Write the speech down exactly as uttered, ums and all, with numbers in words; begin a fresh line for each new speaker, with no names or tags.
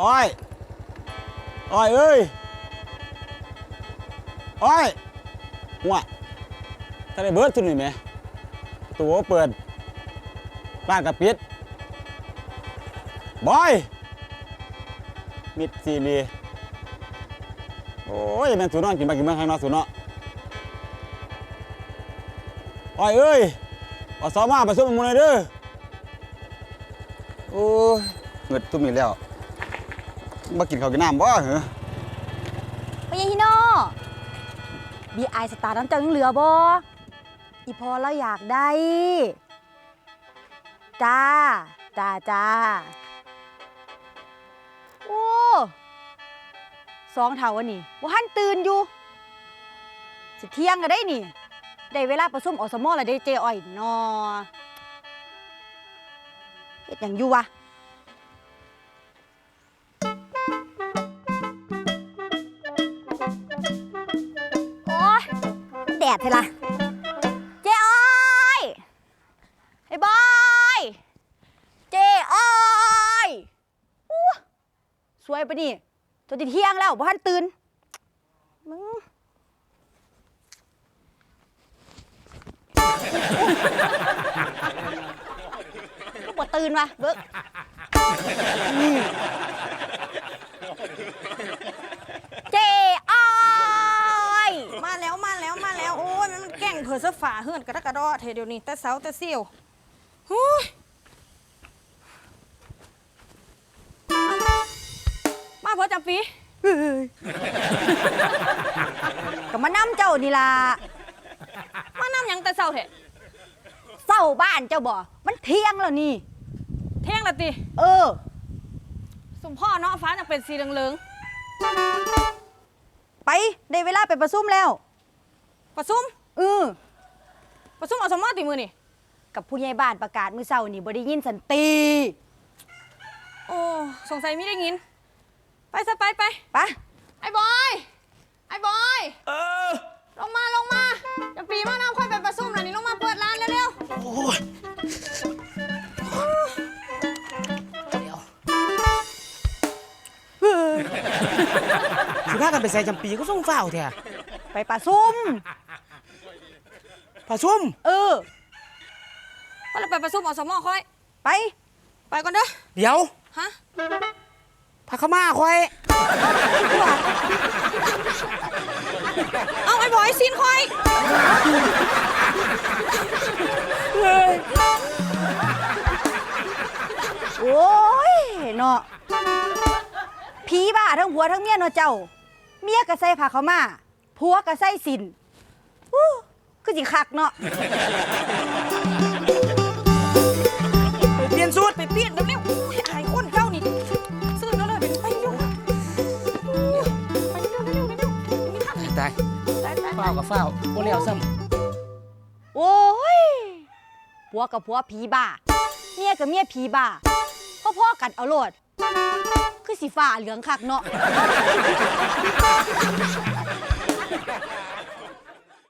อ้อยอ้อยเอ้ยอ้อยหัวถ้าได้เบิร์ดทุนนี่ไหมตัวเปิดบ้านกับปิดบอยมิดซีรีโอ้ยแม่นสูนอนกินมากินเมืองข้างนอกสูนเนาะอ้อยเอ้ยอสมาประชุมมันเลยเด้อโอ้ยเงิดตุ้มอีกแล้วมากินข้าวกินน้ำบ่เหรอ
ไปยังฮิโน่บีไอสตาร์น้ำเจ้ายังเหลือบ่อีพอเราอยากได้จ้าจ้าจ้าโอ้สองเท่าวันนี้ว่าหันตื่นอยู่สิเที่ยงก็ได้นี่ได้เวลาประชุมอสมอแล้วได้เจอ้อยนอเฮ็ดหยังอยู่วะโอ้ยแดดเถอะล่ะเจอ้อยไอ้บอยเจอ้อยอู้สวยปะนี่จนจะเที่ยงแล้วบ่ทันตื่นมึงลูกบ่ตื่นวะเบิกเจอ้อย
มาแล้วมาแล้วมาแล้วโอ้ยมันแก่งเผือเสื้อฝาเฮือนกระดกกระดอเทเดี๋ยวนี้แต่เสาแต่เสี่ยวฮู้ยมาเพื่อจำปี
ก็มานํเจ้านี่ล่ะ
มานำยังแต่เสาเถอะ
เฝ้าบ้านเจ้าบ่มันเที่ยงแล้วนี่
เที่ยงละติ
เออ
สมพ่อเนาะฟ้าจะเป็นสีเหลือง
ไปได้เวลาไปประชุมแล้ว
ประชุม
เออ
ประชุมอสมติมือนี่
กับผู้ใหญ่บ้านประกาศมื้อเช้านี่บ่ได้ยินสันติ
โอ้สงสัยไม่ได้ยินไปซะไปไป
ไป
ไอ้บอยไอ้บอย
เออ
ลงมาลงมาจะปีมาน้ำค่อยไปประชุมแล้วนี่ลงมาเปิดร้านเร็วๆ
โอ้ยเดี๋ยวสิพากันไปใส่จำปีก็ส่งฝ้าวแท้
ไปประชุม
ประชุม
เออ
ก็เลยไปประชุมอสมค่อย
ไป
ไปก่อนเด้อ
เดี๋ยว
ฮะ
พาเข้ามาค่อย
เอาไอ้บอยซีนค่อย
โอ้ยเนาะผีบ้าทั้งผัวทั้งเมียเนาะเจ้าเมียก็ใส่ผ้าขาวม้าผัวก็ใส่สินอู้คือสิคักเนาะ
ไปเปลี่ยนสูตร
ไปเปลี่ยนเร็วๆอายคนเจ้านี่ซื้อแล้วเลยไปอยู่ไปเร็วเร็วเร็วมีทาง
ตายฝ้าวกับฝ้าวบ่แล้วซ้
ำโอ้ยผัวกับผัวผีบ้าเมียกับเมียผีบ้าพ่อๆกันเอาโลดคือสีฟ้าเหลืองคักเนาะ